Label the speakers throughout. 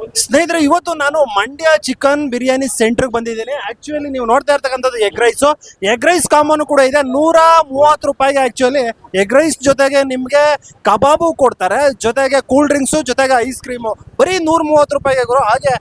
Speaker 1: ಸ್ನೇಹಿತರೆ, ಇವತ್ತು ನಾನು ಮಂಡ್ಯ ಚಿಕನ್ ಬಿರಿಯಾನಿ ಸೆಂಟರ್ಗೆ ಬಂದಿದ್ದೀನಿ. ಆಕ್ಚುಲಿ ನೀವು ನೋಡ್ತಾ ಇರ್ತಕ್ಕಂಥದ್ದು ಎಗ್ ರೈಸ್ ಕಾಂಬೋನು ಕೂಡ ಇದೆ. 130 ರೂಪಾಯಿಗೆ ಆಕ್ಚುಲಿ ಎಗ್ ರೈಸ್ ಜೊತೆಗೆ ನಿಮಗೆ ಕಬಾಬು ಕೊಡ್ತಾರೆ, ಜೊತೆಗೆ ಕೂಲ್ ಡ್ರಿಂಕ್ಸು, ಜೊತೆಗೆ ಐಸ್ ಕ್ರೀಮು. ಬರೀ 130 ರೂಪಾಯಿಗೆ ಗುರು. ಹಾಗೆ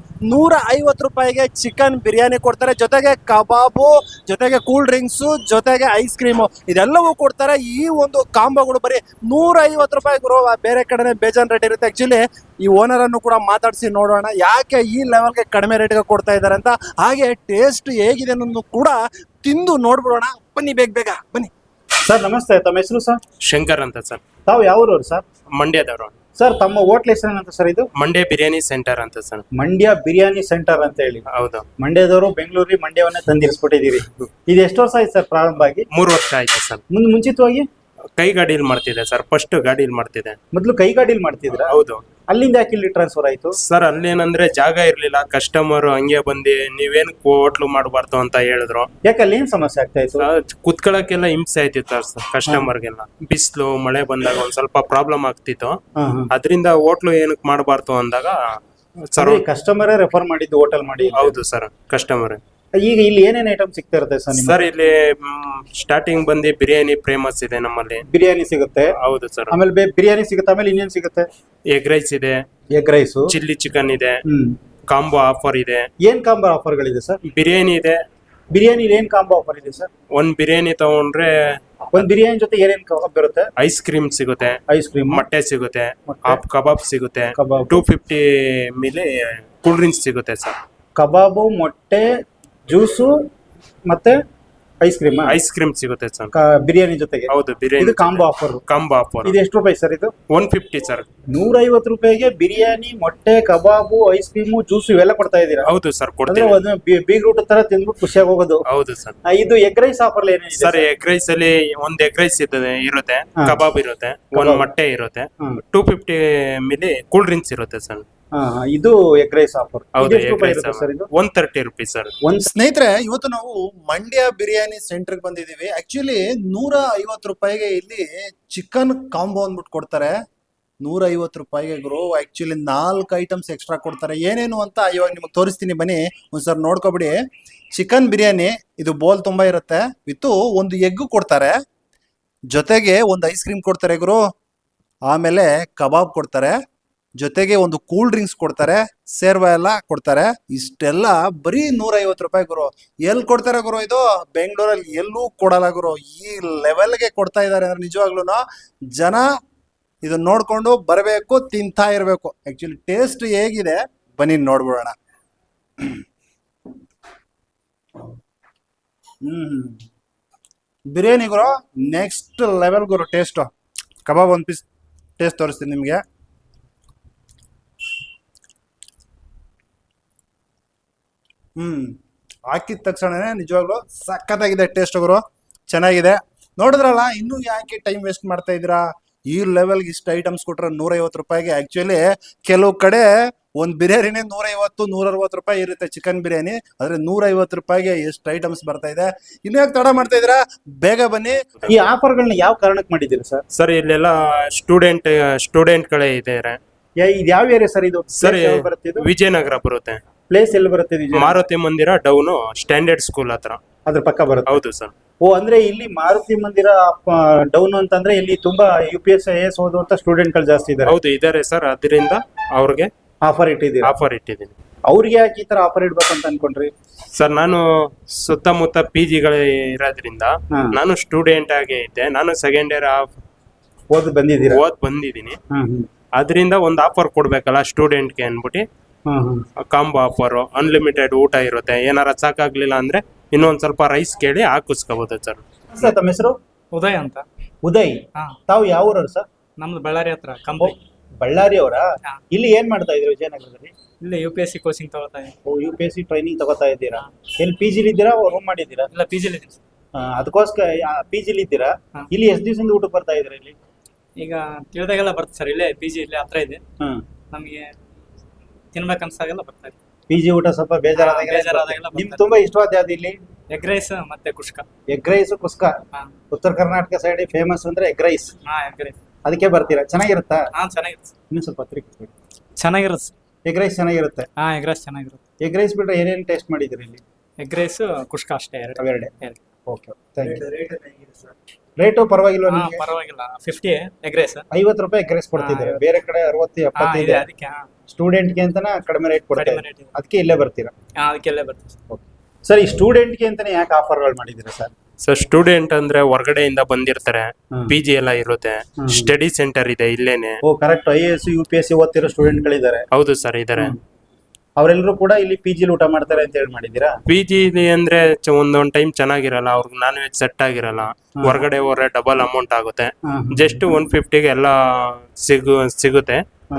Speaker 1: 150 ರೂಪಾಯಿಗೆ ಚಿಕನ್ ಬಿರಿಯಾನಿ ಕೊಡ್ತಾರೆ, ಜೊತೆಗೆ ಕಬಾಬು, ಜೊತೆಗೆ ಕೂಲ್ ಡ್ರಿಂಕ್ಸು, ಜೊತೆಗೆ ಐಸ್ ಕ್ರೀಮು, ಇದೆಲ್ಲವೂ ಕೊಡ್ತಾರೆ. ಈ ಒಂದು ಕಾಂಬೋಗಳು ಬರೀ 150 ರೂಪಾಯಿ ಗುರು. ಬೇರೆ ಕಡೆನೇ ಬೇಜಾನ್ ರೇಟ್ ಇರುತ್ತೆ. ಆಕ್ಚುಲಿ ಈ ಓನರ್ ಅನ್ನು ಕೂಡ ಮಾತಾಡಿಸಿ ನೋಡೋಣ ಯಾಕೆ ಈ ಲೆವೆಲ್ಗೆ ಕಡಿಮೆ ರೇಟ್ಗೆ ಕೊಡ್ತಾ ಇದ್ದಾರೆ ಅಂತ. ಹಾಗೆ ಟೇಸ್ಟ್ ಹೇಗಿದೆ ಅನ್ನೋದು ಕೂಡ ತಿಂದು ನೋಡ್ಬಿಡೋಣ. ಬನ್ನಿ, ಬೇಗ ಬನ್ನಿ.
Speaker 2: ಸರ್ ನಮಸ್ತೆ, ತಮ್ಮ ಹೆಸರು ಸರ್?
Speaker 3: ಶಂಕರ್ ಅಂತ ಸರ್.
Speaker 2: ತಾವು ಯಾವ್ರವ್ರು ಸರ್?
Speaker 3: ಮಂಡ್ಯದವರು
Speaker 2: ಸರ್. ತಮ್ಮ ಹೋಟ್ಲ್ ಹೆಸರೇನಂತ ಸರ್ ಇದು?
Speaker 3: ಮಂಡ್ಯ ಬಿರಿಯಾನಿ ಸೆಂಟರ್ ಅಂತ ಸರ್.
Speaker 2: ಮಂಡ್ಯ ಬಿರಿಯಾನಿ ಸೆಂಟರ್ ಅಂತ ಹೇಳಿ.
Speaker 3: ಹೌದು.
Speaker 2: ಮಂಡ್ಯದವರು ಬೆಂಗಳೂರಿಗೆ ಮಂಡ್ಯವನ್ನೇ ತಂದಿರಿಸ್ಬಿಟ್ಟಿದ್ದೀರಿ. ಇದು ಎಷ್ಟು ವರ್ಷ ಆಯ್ತು ಸರ್ ಪ್ರಾರಂಭ ಆಗಿ?
Speaker 3: 3 ವರ್ಷ ಆಯ್ತು ಸರ್.
Speaker 2: ಮುಂಚಿತವಾಗಿ
Speaker 3: ಕೈ ಗಾಡಿಯಲ್ಲಿ ಮಾಡ್ತಿದೆ ಸರ್. ಫಸ್ಟ್ ಗಾಡಿಯಲ್ಲಿ ಮಾಡ್ತಿದೆ.
Speaker 2: ಮೊದ್ಲು ಕೈ ಗಾಡಿಲಿ ಮಾಡ್ತಿದ್ರ?
Speaker 3: ಹೌದು.
Speaker 2: ಅಲ್ಲಿಂದ ಯಾಕೆ ಇಲ್ಲಿ ಟ್ರಾನ್ಸ್ಫರ್ ಆಯ್ತು
Speaker 3: ಸರ್? ಅಲ್ಲೇನಂದ್ರೆ ಜಾಗ ಇರ್ಲಿಲ್ಲ, ಕಸ್ಟಮರ್ ಹಂಗೆ ಬಂದು ನೀವೇನ್ ಹೋಟ್ಲು ಮಾಡಬಾರ್ದು ಅಂತ ಹೇಳಿದ್ರು.
Speaker 2: ಯಾಕೆ ಅಲ್ಲಿ ಏನ್ ಸಮಸ್ಯೆ ಆಗ್ತಾ ಇತ್ತು?
Speaker 3: ಕುತ್ಕೊಳಕ್ಕೆಲ್ಲ ಹಿಂಸೆ ಆಯ್ತಿತ್ತು ಸರ್ ಕಸ್ಟಮರ್ಗೆಲ್ಲ. ಬಿಸಿಲು ಮಳೆ ಬಂದಾಗ ಒಂದ್ ಸ್ವಲ್ಪ ಪ್ರಾಬ್ಲಮ್ ಆಗ್ತಿತ್ತು. ಅದರಿಂದ ಹೋಟ್ಲು ಏನಕ್ಕೆ ಮಾಡಬಾರ್ದು ಅಂದಾಗ
Speaker 2: ಸರ್ ಕಸ್ಟಮರೇ ರೆಫರ್ ಮಾಡಿದ್ದು ಹೋಟೆಲ್ ಮಾಡಿ.
Speaker 3: ಹೌದು ಸರ್, ಕಸ್ಟಮರ್.
Speaker 2: ಈಗ ಇಲ್ಲಿ ಏನೇನ್ ಐಟಮ್ ಸಿಗ್ತಾ ಇರುತ್ತೆ ಸರ್?
Speaker 3: ಸರ್ ಇಲ್ಲಿ ಸ್ಟಾರ್ಟಿಂಗ್ ಬಂದು ಬಿರಿಯಾನಿ ಫೇಮಸ್ ಇದೆ ನಮ್ಮಲ್ಲಿ.
Speaker 2: ಬಿರಿಯಾನಿ ಸಿಗುತ್ತೆ?
Speaker 3: ಹೌದು ಸರ್.
Speaker 2: ಆಮೇಲೆ ಬಿರಿಯಾನಿ ಸಿಗುತ್ತೆ, ಆಮೇಲೆ ಇನ್ನೇನ್ ಸಿಗುತ್ತೆ?
Speaker 3: ಎಗ್ ರೈಸ್ ಇದೆ,
Speaker 2: ಎಗ್ ರೈಸ್,
Speaker 3: ಚಿಲ್ಲಿ ಚಿಕನ್ ಇದೆ, ಕಾಂಬೋ ಆಫರ್ ಇದೆ.
Speaker 2: ಏನ್ ಕಾಂಬೋ ಆಫರ್ ಗಳಿದೆ ಸರ್?
Speaker 3: ಬಿರಿಯಾನಿ ಇದೆ.
Speaker 2: ಬಿರಿಯಾನಿ ಏನ್ ಕಾಂಬೋ ಆಫರ್ ಇದೆ ಸರ್?
Speaker 3: ಒಂದ್ ಬಿರಿಯಾನಿ ತಗೊಂಡ್ರೆ
Speaker 2: ಒಂದ್ ಬಿರಿಯಾನಿ ಜೊತೆ ಏನೇನ್ ಕಬಾಬ್ ಬರುತ್ತೆ?
Speaker 3: ಐಸ್ ಕ್ರೀಮ್ ಸಿಗುತ್ತೆ,
Speaker 2: ಐಸ್ ಕ್ರೀಮ್,
Speaker 3: ಮೊಟ್ಟೆ ಸಿಗುತ್ತೆ, ಹಾಫ್ ಕಬಾಬ್ ಸಿಗುತ್ತೆ,
Speaker 2: ಕಬಾಬ್
Speaker 3: 250 ಮೇಲೆ ಕೂಲ್ ಡ್ರಿಂಕ್ಸ್ ಸಿಗುತ್ತೆ ಸರ್.
Speaker 2: ಕಬಾಬು, ಮೊಟ್ಟೆ, ಜ್ಯೂಸು ಮತ್ತೆ ಐಸ್ ಕ್ರೀಮ್
Speaker 3: ಸಿಗುತ್ತೆ ಸರ್
Speaker 2: ಬಿರಿಯಾನಿ ಜೊತೆಗೆ.
Speaker 3: ಹೌದು, ಬಿರಿಯಾನಿ.
Speaker 2: ಇದು ಕಾಂಬೋ ಆಫರ್.
Speaker 3: Combo offer.
Speaker 2: ಇದು ಎಷ್ಟು ರೂಪಾಯಿ ಸರ್ ಇದು?
Speaker 3: 150 ಸರ್.
Speaker 2: 150 ರೂಪಾಯಿಗೆ ಬಿರಿಯಾನಿ, ಮೊಟ್ಟೆ, ಕಬಾಬು, ಐಸ್ ಕ್ರೀಮು, ಜ್ಯೂಸ್ ಇವೆಲ್ಲ ಕೊಡ್ತಾ ಇದೀರಾ?
Speaker 3: ಹೌದು ಸರ್, ಕೊಡ್ತೀವಿ.
Speaker 2: ಬೀಗ್ ರೂಟ್ ತರ ತಿಂದ್ಬಿಟ್ಟು ಖುಷಿಯಾಗಿ ಹೋಗೋದು.
Speaker 3: ಹೌದು ಸರ್.
Speaker 2: ಇದು ಎಗ್ ರೈಸ್ ಆಫರ್ ಏನಿದೆ
Speaker 3: ಸರ್? ಎಗ್ ರೈಸ್ ಅಲ್ಲಿ ಒಂದ್ ಎಗ್ ರೈಸ್ ಇರುತ್ತೆ, ಕಬಾಬ್ ಇರುತ್ತೆ, ಒಂದ್ ಮೊಟ್ಟೆ ಇರುತ್ತೆ, 250 ಮೇಲೆ ಕೂಲ್ ಡ್ರಿಂಕ್ಸ್ ಇರುತ್ತೆ ಸರ್.
Speaker 2: ಇದು ಎಗ್ ರೈಸ್ ಆಫರ್.
Speaker 3: ಹೌದು, ಎಗ್ ರೈಸ್ 130 ರೂಪಾಯಿ ಸರ್.
Speaker 1: ಸ್ನೇಹಿತರೆ, ಇವತ್ತು ನಾವು ಮಂಡ್ಯ ಬಿರಿಯಾನಿ ಸೆಂಟರ್ ಬಂದಿದೀವಿ. ಆಕ್ಚುಲಿ 150 ರೂಪಾಯಿಗೆ ಇಲ್ಲಿ ಚಿಕನ್ ಕಾಂಬೋ ಅಂದ್ಬಿಟ್ಟು ಕೊಡ್ತಾರೆ. 150 ರೂಪಾಯಿಗೆ ಗುರು. ಆಕ್ಚುಲಿ 4 ಐಟಮ್ಸ್ ಎಕ್ಸ್ಟ್ರಾ ಕೊಡ್ತಾರೆ. ಏನೇನು ಅಂತ ಇವಾಗ ನಿಮಗೆ ತೋರಿಸ್ತೀನಿ, ಬನ್ನಿ ಒಂದ್ಸರ್ ನೋಡ್ಕೊಬಿಡಿ. ಚಿಕನ್ ಬಿರಿಯಾನಿ ಇದು ಬೋಲ್ ತುಂಬಾ ಇರುತ್ತೆ, ವಿತ್ ಒಂದು ಎಗ್ ಕೊಡ್ತಾರೆ, ಜೊತೆಗೆ ಒಂದು ಐಸ್ ಕ್ರೀಮ್ ಕೊಡ್ತಾರೆ ಗುರು, ಆಮೇಲೆ ಕಬಾಬ್ ಕೊಡ್ತಾರೆ, ಜೊತೆಗೆ ಒಂದು ಕೂಲ್ ಡ್ರಿಂಕ್ಸ್ ಕೊಡ್ತಾರೆ, ಸೇರ್ವ ಎಲ್ಲ ಕೊಡ್ತಾರೆ. ಇಷ್ಟೆಲ್ಲ ಬರೀ 150 ರೂಪಾಯಿ ಗುರು. ಎಲ್ಲಿ ಕೊಡ್ತಾರೆ ಗುರು ಇದು? ಬೆಂಗಳೂರಲ್ಲಿ ಎಲ್ಲೂ ಕೊಡಲ್ಲ ಗುರು. ಈ ಲೆವೆಲ್ಗೆ ಕೊಡ್ತಾ ಇದ್ದಾರೆ ಅಂದ್ರೆ ನಿಜವಾಗ್ಲೂ ಜನ ಇದನ್ನ ನೋಡ್ಕೊಂಡು ಬರಬೇಕು, ತಿಂತಾ ಇರಬೇಕು. ಆಕ್ಚುಲಿ ಟೇಸ್ಟ್ ಹೇಗಿದೆ ಬನ್ನಿ ನೋಡ್ಬಿಡೋಣ. ಬಿರಿಯಾನಿ ಗುರು ನೆಕ್ಸ್ಟ್ ಲೆವೆಲ್ ಗುರು ಟೇಸ್ಟು. ಕಬಾಬ್ ಒಂದು ಪೀಸ್ ಟೇಸ್ಟ್ ತೋರಿಸ್ತೀನಿ ನಿಮಗೆ. ಹಾಕಿದ ತಕ್ಷಣನೇ ನಿಜವಾಗ್ಲೂ ಸಖತ್ತಾಗಿದೆ ಟೇಸ್ಟ್ ಗುರು, ಚೆನ್ನಾಗಿದೆ. ನೋಡಿದ್ರಲ್ಲ, ಇನ್ನೂ ಯಾಕೆ ಟೈಮ್ ವೇಸ್ಟ್ ಮಾಡ್ತಾ ಇದ್ದೀರಾ? ಈ ಲೆವೆಲ್ಗೆ ಇಷ್ಟು ಐಟಮ್ಸ್ ಕೊಟ್ರೆ 150 ರೂಪಾಯಿಗೆ. ಆಕ್ಚುಲಿ ಕೆಲವು ಕಡೆ ಒಂದು ಬಿರಿಯಾನಿನೇ 150-160 ರೂಪಾಯಿ ಇರುತ್ತೆ ಚಿಕನ್ ಬಿರಿಯಾನಿ, ಆದ್ರೆ 150 ರೂಪಾಯಿಗೆ ಎಷ್ಟು ಐಟಮ್ಸ್ ಬರ್ತಾ ಇದೆ. ಇನ್ನು ಯಾಕೆ ತಡ ಮಾಡ್ತಾ ಇದ್ದೀರಾ? ಬೇಗ ಬನ್ನಿ.
Speaker 2: ಈ ಆಫರ್ಗಳನ್ನ ಯಾವ ಕಾರಣಕ್ಕೆ ಮಾಡಿದ್ದೀರಾ ಸರ್?
Speaker 3: ಸರ್ ಇಲ್ಲೆಲ್ಲ ಸ್ಟೂಡೆಂಟ್ಗಳೇ ಇದ್ದಾರೆ.
Speaker 2: ಇದು ಯಾವ ಏರಿಯಾ ಸರ್ ಇದು?
Speaker 3: ಸರ್ ವಿಜಯನಗರ ಬರುತ್ತೆ.
Speaker 2: ಪ್ಲೇಸ್ ಎಲ್ಲಿ ಬರುತ್ತೆ?
Speaker 3: ಮಾರುತಿ ಮಂದಿರ ಡೌನು ಸ್ಟ್ಯಾಂಡರ್ಡ್ ಸ್ಕೂಲ್ ಹತ್ರ,
Speaker 2: ಅದ್ರ ಪಕ್ಕ ಬರುತ್ತೆ.
Speaker 3: ಹೌದು ಸರ್.
Speaker 2: ಓ, ಅಂದ್ರೆ ಇಲ್ಲಿ ಮಾರುತಿ ಮಂದಿರ ಡೌನ್ ಅಂತಂದ್ರೆ ಇಲ್ಲಿ ತುಂಬಾ UPS IAS ಓದುವಂತ ಸ್ಟೂಡೆಂಟ್ಗಳು ಜಾಸ್ತಿ ಇದ್ದಾರೆ.
Speaker 3: ಹೌದು, ಇದಾರೆ ಸರ್. ಅದರಿಂದ ಅವ್ರಿಗೆ
Speaker 2: ಆಫರ್ ಇಟ್ಟಿದ್ದೀನಿ. ಅವ್ರಿಗೆ ಯಾಕೆ ಈ ತರ ಆಫರ್ ಇಡ್ಬೇಕಂತ ಅನ್ಕೊಂಡ್ರಿ
Speaker 3: ಸರ್? ನಾನು ಸುತ್ತಮುತ್ತ PG ಇರೋದ್ರಿಂದ ನಾನು ಸ್ಟೂಡೆಂಟ್ ಆಗಿ ಇದ್ದೆ. ನಾನು ಸೆಕೆಂಡ್ ಇಯರ್ ಓದ್ ಬಂದಿದ್ದೀನಿ. ಅದರಿಂದ ಒಂದು ಆಫರ್ ಕೊಡ್ಬೇಕಲ್ಲ ಸ್ಟೂಡೆಂಟ್ಗೆ ಅನ್ಬಿಟ್ಟು ಕಾಂಬೋ ಆಫರ್. ಅನ್ಲಿಮಿಟೆಡ್ ಊಟ ಇರುತ್ತೆ. ಏನಾರ ಸಾಕಾಗ್ಲಿಲ್ಲ ಅಂದ್ರೆ ಇನ್ನೊಂದ್ ಸ್ವಲ್ಪ ರೈಸ್ ಕೇಳಿ ಹಾಕಿಸ್ಕೋಬಹುದು ಸರ್.
Speaker 2: ಸರ್ ತಮ್ಮ ಹೆಸರು?
Speaker 4: ಉದಯ್ ಅಂತ.
Speaker 2: ಉದಯ್, ತಾವು ಯಾವ ಊರವ್ರು ಸರ್?
Speaker 4: ನಮ್ದು ಬಳ್ಳಾರಿ ಹತ್ರ ಕಂಬಿ.
Speaker 2: ಬಳ್ಳಾರಿ ಅವರ? ಇಲ್ಲಿ ಏನ್ ಮಾಡ್ತಾ ಇದ್ರಿ ವಿಜಯನಗರದಲ್ಲಿ?
Speaker 4: ಇಲ್ಲಿ UPSC ಕೋಚಿಂಗ್ ತಗೋತಾ ಇದ್ದೀನಿ.
Speaker 2: UPSC ಟ್ರೈನಿಂಗ್ ತಗೋತಾ ಇದ್ದೀರಾ? ಎಲ್ಲಿ PG ಇದ್ದೀರಾ, ರೂಮ್ ಮಾಡಿದ್ದೀರಾ?
Speaker 4: ಇಲ್ಲ, PG ಲಿ ಇದ್ದೀನಿ.
Speaker 2: ಅದಕ್ಕೋಸ್ಕರ PG ಇದ್ದೀರಾ? ಇಲ್ಲಿ ಎಷ್ಟು ದಿವಸದಿಂದ ಊಟಕ್ಕೆ ಬರ್ತಾ ಇದ್ರಿ? ಇಲ್ಲಿ
Speaker 4: ಈಗ ತಿಳಿದಾಗೆಲ್ಲ ಬರ್ತದೆ ಸರ್. ಇಲ್ಲೇ PG ಇಲ್ಲೇ ಹತ್ರ ಇದೆ. ನಮಗೆ ತಿನ್ಬೇಕನ್ಸಾಗೆಲ್ಲ ಬರ್ತಾ ಇದೆ.
Speaker 2: PG ಊಟ ಸ್ವಲ್ಪ ಬೇಜಾರಾದಾಗೆಲ್ಲ. ನಿಮ್ಗೆ ತುಂಬಾ ಇಷ್ಟವಾದ ಯಾವ್ದು ಇಲ್ಲಿ?
Speaker 4: ಎಗ್ ರೈಸ್ ಮತ್ತೆ ಕುಷ್ಕ.
Speaker 2: Egg rice, kushka. ಉತ್ತರ ಕರ್ನಾಟಕ ಸೈಡ್ ಫೇಮಸ್ ಅಂದ್ರೆ ಎಗ್ ರೈಸ್.
Speaker 4: Egg rice.
Speaker 2: ಅದಕ್ಕೆ ಬರ್ತೀರಾ? ಚೆನ್ನಾಗಿರುತ್ತಾ?
Speaker 4: ಚೆನ್ನಾಗಿರುತ್ತೆ.
Speaker 2: ಇನ್ನೂ ಸ್ವಲ್ಪ
Speaker 4: ಚೆನ್ನಾಗಿರುತ್ತೆ.
Speaker 2: ಎಗ್ ರೈಸ್ ಚೆನ್ನಾಗಿರುತ್ತೆ.
Speaker 4: ಹಾ ಎಗ್ ರೈಸ್ ಚೆನ್ನಾಗಿರುತ್ತೆ.
Speaker 2: ಎಗ್ ರೈಸ್ ಬಿಟ್ರೆ ಏನೇನು ಟೇಸ್ಟ್ ಮಾಡಿದ್ದೀರಿ ಇಲ್ಲಿ?
Speaker 4: ಎಗ್ ರೈಸ್ ಕುಷ್ಕ ಅಷ್ಟೇ ಎರಡು.
Speaker 2: ಅವೆರಡೆ.
Speaker 4: ಎರಡು.
Speaker 2: Okay, thank you. ರೇಟು ಪರವಾಗಿಲ್ವಾ
Speaker 4: ಹಾ
Speaker 2: ನಿಮಗೆ?
Speaker 4: ಪರವಾಗಿಲ್ಲ. 50 ಎಗ್ ರೈಸ್.
Speaker 2: 50 ರೂಪಾಯಿ ಎಗ್ ರೈಸ್ ಕೊಡ್ತಿದ್ದಾರೆ.
Speaker 4: ಹಾ,
Speaker 2: ಬೇರೆ ಕಡೆ 60
Speaker 4: ಹಾ
Speaker 2: 70
Speaker 4: ಇದೆ
Speaker 2: ಇದೆ.
Speaker 4: ಅದಕ್ಕೆ.
Speaker 2: ಸ್ಟೂಡೆಂಟ್ಗೆ ಅಂತಾನೆ ಕಡಿಮೆ ರೇಟ್ ಕೊಡ್ತಾರೆ.
Speaker 4: ಕಡಿಮೆ ರೇಟ್ ಇದೆ.
Speaker 2: ಅದಕ್ಕೆ ಇಲ್ಲೇ ಬರ್ತೀರಾ?
Speaker 4: ಹಾ ಅದಕ್ಕೆಲ್ಲೇ ಬರ್ತದೆ.
Speaker 2: ಸರ್, ಈ ಸ್ಟೂಡೆಂಟ್ಗೆ ಅಂತಾನೆ ಯಾಕೆ ಆಫರ್ಗಳು ಮಾಡಿದ್ದೀರಾ ಸರ್?
Speaker 3: ಸೊ ಸ್ಟೂಡೆಂಟ್ ಅಂದ್ರೆ ಹೊರಗಡೆಯಿಂದ ಬಂದಿರ್ತಾರೆ,
Speaker 2: ಹ್ಮ್.
Speaker 3: ಪಿ ಜಿ ಎಲ್ಲ ಇರುತ್ತೆ,
Speaker 2: ಹ್ಮ್.
Speaker 3: ಸ್ಟಡಿ ಸೆಂಟರ್ ಇದೆ ಇಲ್ಲೇನೆ.
Speaker 2: ಓ ಕರೆಕ್ಟ್, IAS UPSC ಓದ್ತಿರೋ ಸ್ಟೂಡೆಂಟ್ಗಳಿದ್ದಾರೆ.
Speaker 3: ಹೌದು ಸರ್ ಇದಾರೆ.
Speaker 2: ಅವರೆಲ್ಲರೂ ಕೂಡ ಇಲ್ಲಿ PG ಊಟ ಮಾಡ್ತಾರೆ ಅಂತ ಹೇಳಿ ಮಾಡಿದ್ದೀರಾ?
Speaker 3: ಪಿ ಜಿ ಅಂದ್ರೆ ಒಂದೊಂದ್ ಟೈಮ್ ಚೆನ್ನಾಗಿರಲ್ಲ, ಅವ್ರಿಗೆ ನಾನ್ ವೆಜ್ ಸೆಟ್ ಆಗಿರಲ್ಲ, ಹೊರಗಡೆ ಹೋದ್ರೆ ಡಬಲ್ ಅಮೌಂಟ್ ಆಗುತ್ತೆ. ಜಸ್ಟ್ 150ಗೆ ಎಲ್ಲ ಸಿಗುತ್ತೆ.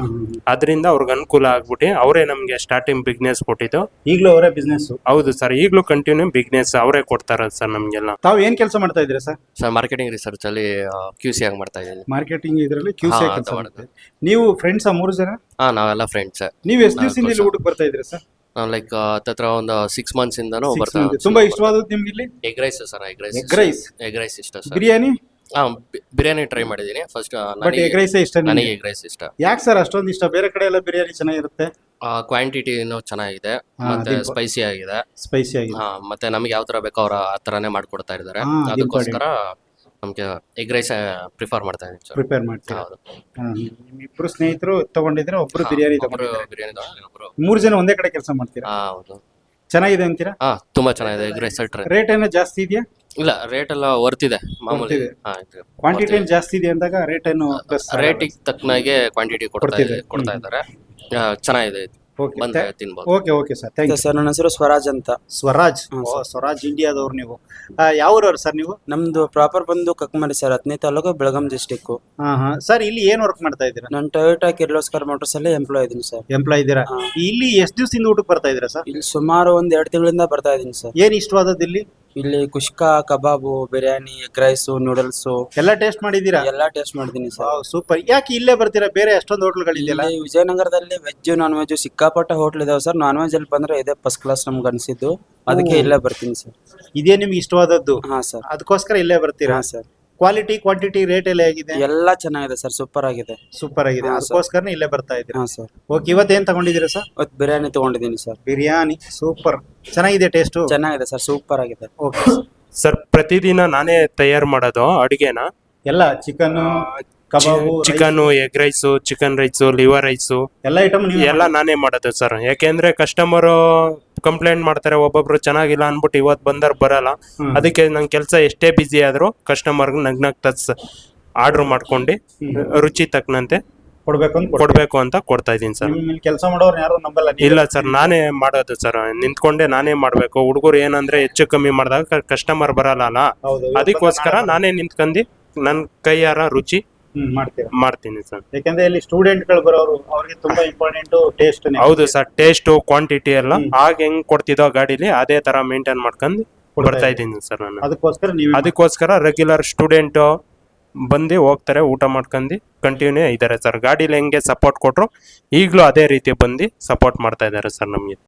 Speaker 3: ಅದರಿಂದ ಅವ್ರಿಗೆ ಅನುಕೂಲ ಆಗ್ಬಿಟ್ಟು ಅವರೇ ನಮ್ಗೆ ಸ್ಟಾರ್ಟಿಂಗ್ ಬಿಸ್ನೆಸ್ ಕೊಟ್ಟಿದ್ದು.
Speaker 2: ಈಗಲೂ ಅವರೇ ಬಿಸ್ನೆಸ್?
Speaker 3: ಹೌದು ಸರ್, ಈಗಲೂ ಕಂಟಿನ್ಯೂ ಬಿಸ್ನೆಸ್ ಅವರೇ ಕೊಡ್ತಾರ ಸರ್ ನಮ್ಗೆಲ್ಲ.
Speaker 2: ತಾವು ಏನ್ ಕೆಲಸ ಮಾಡ್ತಾ ಇದ್ದೀರಾ ಸರ್?
Speaker 5: ಸರ್ ಮಾರ್ಕೆಟಿಂಗ್ ರಿಸರ್ಚ್ ಅಲ್ಲಿ QC ಆಗಿ ಮಾಡ್ತಾ ಇದ್ದೀನಿ.
Speaker 2: ಮಾರ್ಕೆಟಿಂಗ್ ಇದರಲ್ಲಿ QC
Speaker 5: ಹಾ,
Speaker 2: ಕೆಲಸ
Speaker 5: ಅದು
Speaker 2: ಮಾಡ್ತೀವಿ. ನೀವು ಫ್ರೆಂಡ್ಸ್ 3 ಜನ?
Speaker 5: ನಾವೆಲ್ಲ ಫ್ರೆಂಡ್ಸ್.
Speaker 2: ನೀವು ಎಷ್ಟು ದಿವಸದಿಂದ ಇಲ್ಲಿ ಊಟಕ್ಕೆ ಬರ್ತಾ ಇದ್ದೀರಾ ಸರ್?
Speaker 5: ನಾವು ಲೈಕ್ ಹತ್ರ ಒಂದು 6 months ಇಂದನೂ
Speaker 2: 6
Speaker 5: ಬರ್ತಾ
Speaker 2: months. ತುಂಬಾ ಇಷ್ಟವಾದದ್ದು ನಿಮ್ಗೆ ಇಲ್ಲಿ?
Speaker 5: Egg rice sir. Egg rice ಇಷ್ಟ ಸರ್.
Speaker 2: ಬಿರಿಯಾನಿ?
Speaker 5: ಬಿರಿಯಾನಿ ಟ್ರೈ ಮಾಡಿದ್ದೀನಿ ಫಸ್ಟ್.
Speaker 2: ಬಟ್ ಎಗ್ ರೈಸ್ ಇಷ್ಟ
Speaker 5: ನನಗೆ
Speaker 2: ನಿಮಗೆ?
Speaker 5: ಎಗ್ ರೈಸ್ ಇಷ್ಟ.
Speaker 2: ಯಾಕೆ ಸರ್ ಅಷ್ಟೊಂದು ಇಷ್ಟ? ಬೇರೆ ಕಡೆ ಎಲ್ಲ ಬಿರಿಯಾನಿ ಚೆನ್ನಾಗಿರುತ್ತೆ.
Speaker 5: ಕ್ವಾಂಟಿಟಿನೂ ಚೆನ್ನಾಗಿದೆ,
Speaker 2: ಹಾ,
Speaker 5: ಮತ್ತೆ
Speaker 2: ಅದು
Speaker 5: ಸ್ಪೈಸಿ ಆಗಿದೆ.
Speaker 2: ಸ್ಪೈಸಿ ಆಗಿದೆ.
Speaker 5: ಮತ್ತೆ ನಮಗೆ ಯಾವ ತರ ಬೇಕೋ ಅವ್ರ ಆ ತರಾನೇ ಮಾಡ್ಕೊಡ್ತಾ ಇದ್ದಾರೆ.
Speaker 2: ಹಾ, ಅದು
Speaker 5: ಅದಕ್ಕೋಸ್ಕರ ನಮ್ಗೆ ಎಗ್ ರೈಸ್ ಪ್ರಿಫರ್ ಮಾಡ್ತಾ ಇದ್ದೀನಿ ಸರ್.
Speaker 2: ಪ್ರಿಪೇರ್ ಮಾಡ್ತೀರಾ?
Speaker 5: ಹೌದು.
Speaker 2: ನಿಮ್ಮಿಬ್ರು ಸ್ನೇಹಿತರು ತಗೊಂಡಿದ್ರೆ ಒಬ್ರು ಬಿರಿಯಾನಿ ತಗೊಂಡಿದ್ದಾರೆ.
Speaker 5: ಬಿರಿಯಾನಿ
Speaker 2: 3 ಜನ ಒಂದೇ ಕಡೆ ಕೆಲಸ ಮಾಡ್ತೀರಾ?
Speaker 5: ಹೌದು.
Speaker 2: ಚೆನ್ನಾಗಿದೆ ಅಂತೀರಾ?
Speaker 5: ತುಂಬಾ ಚೆನ್ನಾಗಿದೆ ಎಗ್ ರೈಸ್.
Speaker 2: ರೇಟ್ ಏನೋ ಜಾಸ್ತಿ ಇದೆಯಾ?
Speaker 5: ಇಲ್ಲ, ರೇಟ್ ಎಲ್ಲ ವರ್ತಿದೆ ಮಾಮೂಲಿ.
Speaker 2: ವರ್ತಿದೆ. ಕ್ವಾಂಟಿಟಿ ಏನು ಜಾಸ್ತಿ ಇದೆ ಅಂದಾಗ ರೇಟ್ ಏನು ಪ್ಲಸ್?
Speaker 5: ರೇಟಿಗೆ ತಕ್ಕನಾಗೆ ಕ್ವಾಂಟಿಟಿ ಕೊಡ್ತಾ ಇದ್ದಾರೆ. ಚೆನ್ನಾಗಿದೆ ಇದು.
Speaker 2: ಓಕೆ
Speaker 5: ಬಂದ್ರೆ ತಿನ್ಬೋದು.
Speaker 2: Okay sir, thank you.
Speaker 6: Sir ನನ್ನ ಹೆಸರು ಸ್ವರಾಜ್ ಅಂತ.
Speaker 2: ಸ್ವರಾಜ್?
Speaker 6: ಹಾ,
Speaker 2: ಓ,
Speaker 6: ಸರ್.
Speaker 2: ಸ್ವರಾಜ್ ಇಂಡಿಯಾದವ್ರು ನೀವು. ಯಾವ ಊರವ್ರು ಸರ್ ನೀವು?
Speaker 6: ನಮ್ದು ಪ್ರಾಪರ್ ಬಂದು ಕಕ್ಮರಿ ಸರ್, ಹತ್ತನೇ ತಾಲೂಕು, ಬೆಳಗಾಂ ಡಿಸ್ಟಿಕ್.
Speaker 2: ಸರ್, ಇಲ್ಲಿ ಏನ್ ವರ್ಕ್ ಮಾಡ್ತಾ ಇದ್ದೀರಾ?
Speaker 6: ನಾನು ಟೊಯೋಟಾ ಕಿರ್ಲೋಸ್ಕರ್ ಮೋಟರ್ಸ್ ಅಲ್ಲಿ ಎಂಪ್ಲಾಯ್ ಇದೀನಿ ಸರ್.
Speaker 2: ಎಂಪ್ಲಾಯ್ ಇದ್ದೀರಾ?
Speaker 6: ಹಾ.
Speaker 2: ಇಲ್ಲಿ ಎಷ್ಟು ದಿವಸದಿಂದ ಊಟಕ್ಕೆ ಬರ್ತಾ ಇದ್ದೀರಾ ಸರ್?
Speaker 6: ಇಲ್ಲಿ ಸುಮಾರು 2 ತಿಂಗಳಿಂದ ಬರ್ತಾ ಇದೀನಿ ಸರ್.
Speaker 2: ಏನ್ ಇಷ್ಟವಾದದ್ದು ಇಲ್ಲಿ?
Speaker 6: ಇಲ್ಲಿ kushka, kebab, biryani, egg rice, noodles
Speaker 2: ಎಲ್ಲ ಟೇಸ್ಟ್ ಮಾಡಿದ್ದೀರಾ?
Speaker 6: ಎಲ್ಲಾ ಟೇಸ್ಟ್ ಮಾಡಿದೀನಿ ಸರ್.
Speaker 2: ಸೂಪರ್. ಯಾಕೆ ಇಲ್ಲೇ ಬರ್ತೀರಾ? ಬೇರೆ ಎಷ್ಟೊಂದು ಹೋಟ್ಲ್ಗಳಿದೆಯಲ್ಲ?
Speaker 6: ಇಲ್ಲಿ ವಿಜಯನಗರದಲ್ಲಿ ವೆಜ್ ನಾನ್ ವೆಜ್ ಸಿಕ್ಕಾಪಟ್ಟೆ ಹೋಟ್ಲ್ ಇದಾವೆ ಸರ್. ನಾನ್ ವೆಜ್ ಅಲ್ಲಿ ಬಂದ್ರೆ ಇದೇ ಫಸ್ಟ್ ಕ್ಲಾಸ್ ನಮ್ಗೆ ಅನ್ಸಿದ್ದು, ಅದಕ್ಕೆ ಇಲ್ಲೇ ಬರ್ತೀನಿ ಸರ್.
Speaker 2: ಇದೇ ನಿಮ್ಗೆ ಇಷ್ಟವಾದದ್ದು?
Speaker 6: ಹಾ ಸರ್.
Speaker 2: ಅದಕ್ಕೋಸ್ಕರ ಇಲ್ಲೇ ಬರ್ತೀರಾ?
Speaker 6: ಹಾ ಸರ್.
Speaker 2: ಕ್ವಾಲಿಟಿ ಕ್ವಾಂಟಿಟಿ ರೇಟ್ ಎಲ್ಲ ಹೇಗಿದೆ?
Speaker 6: ಎಲ್ಲಾ ಚೆನ್ನಾಗಿದೆ ಸರ್, ಸೂಪರ್ ಆಗಿದೆ.
Speaker 2: ಸೂಪರ್ ಆಗಿದೆ.
Speaker 6: ಹಾ, ಸರ್.
Speaker 2: ಅದಕ್ಕೋಸ್ಕರ ಇಲ್ಲೇ ಬರ್ತಾ ಇದ್ದೀರಾ?
Speaker 6: ಹಾ ಸರ್.
Speaker 2: ಓಕೆ, ಇವತ್ತೇನ್ ತಗೊಂಡಿದ್ದೀರಾ ಸರ್?
Speaker 6: ಇವತ್ತು ಬಿರಿಯಾನಿ ತಗೊಂಡಿದ್ದೀನಿ ಸರ್.
Speaker 2: ಬಿರಿಯಾನಿ ಸೂಪರ್ ಚೆನ್ನಾಗಿದೆ, ಟೇಸ್ಟ್
Speaker 6: ಚೆನ್ನಾಗಿದೆ ಸರ್, ಸೂಪರ್ ಆಗಿದೆ.
Speaker 2: ಓಕೆ
Speaker 3: ಸರ್ ಪ್ರತಿದಿನ ನಾನೇ ತಯಾರು ಮಾಡೋದು ಅಡುಗೆನ.
Speaker 2: ಎಲ್ಲ chicken, kebab,
Speaker 3: chicken, egg rice, chicken rice, liver rice
Speaker 2: ಎಲ್ಲ ಐಟಮ್ ನೀವು
Speaker 3: ಎಲ್ಲ ನಾನೇ ಮಾಡೋದು ಸರ್. ಯಾಕೆಂದ್ರೆ ಕಸ್ಟಮರು ಕಂಪ್ಲೇಂಟ್ ಮಾಡ್ತಾರೆ, ಒಬ್ಬೊಬ್ರು ಚೆನ್ನಾಗಿಲ್ಲ ಅನ್ಬಿಟ್ಟು ಇವತ್ತು ಬಂದರ್ ಬರಲ್ಲ. ಅದಕ್ಕೆ ನನ್ನ ಕೆಲಸ ಎಷ್ಟೇ ಬಿಸಿ ಆದ್ರೂ ಕಸ್ಟಮರ್ಗೆ ನಗ್ನಗ್ತಾ ಆರ್ಡರ್ ಮಾಡ್ಕೊಂಡು ರುಚಿ ತಕ್ಕನಂತೆ ಕೊಡ್ಬೇಕು ಅಂತ ಕೊಡ್ತಾ ಇದೀನಿ ಸರ್.
Speaker 2: ಕೆಲಸ ಮಾಡೋರು ಯಾರು ನಂಬಲ್ಲ?
Speaker 3: ಇಲ್ಲ ಸರ್, ನಾನೇ ಮಾಡೋದು ಸರ್. ನಿಂತ್ಕೊಂಡೆ ನಾನೇ ಮಾಡ್ಬೇಕು. ಹುಡುಗರು ಏನಂದ್ರೆ ಹೆಚ್ಚು ಕಮ್ಮಿ ಮಾಡಿದಾಗ ಕಸ್ಟಮರ್ ಬರಲ್ಲ,
Speaker 2: ಹೌದು,
Speaker 3: ಅದಕ್ಕೋಸ್ಕರ ನಾನೇ ನಿಂತ್ಕೊಂಡು ನನ್ನ ಕೈಯಾರ ರುಚಿ
Speaker 2: ಮಾಡ್ತೀರಾ?
Speaker 3: ಮಾಡ್ತೀನಿ ಸರ್.
Speaker 2: ಯಾಕಂದ್ರೆ ಇಲ್ಲಿ ಸ್ಟೂಡೆಂಟ್ಗಳು ಬರೋರು, ಅವ್ರಿಗೆ ತುಂಬಾ ಇಂಪಾರ್ಟೆಂಟ್ ಟೇಸ್ಟ್.
Speaker 3: ಹೌದು ಸರ್, ಟೇಸ್ಟ್ ಕ್ವಾಂಟಿಟಿ ಎಲ್ಲ ಆಗ ಹೆಂಗ್ ಕೊಡ್ತಿದ್ದೋ ಗಾಡಿಲಿ ಅದೇ ತರ ಮೇಂಟೈನ್ ಮಾಡ್ಕೊಂಡು ಬರ್ತಾ ಇದ್ದೀನಿ ಸರ್ ನಾನು. ಅದಕ್ಕೋಸ್ಕರ ರೆಗ್ಯುಲರ್ ಸ್ಟೂಡೆಂಟ್ ಬಂದು ಹೋಗ್ತಾರೆ, ಊಟ ಮಾಡ್ಕೊಂಡು ಕಂಟಿನ್ಯೂ ಇದ್ದಾರೆ ಸರ್. ಗಾಡಿಲಿ ಹೆಂಗೆ ಸಪೋರ್ಟ್ ಕೊಟ್ರು ಈಗಲೂ ಅದೇ ರೀತಿ ಬಂದು ಸಪೋರ್ಟ್ ಮಾಡ್ತಾ ಇದ್ದಾರೆ ಸರ್ ನಮಗೆ.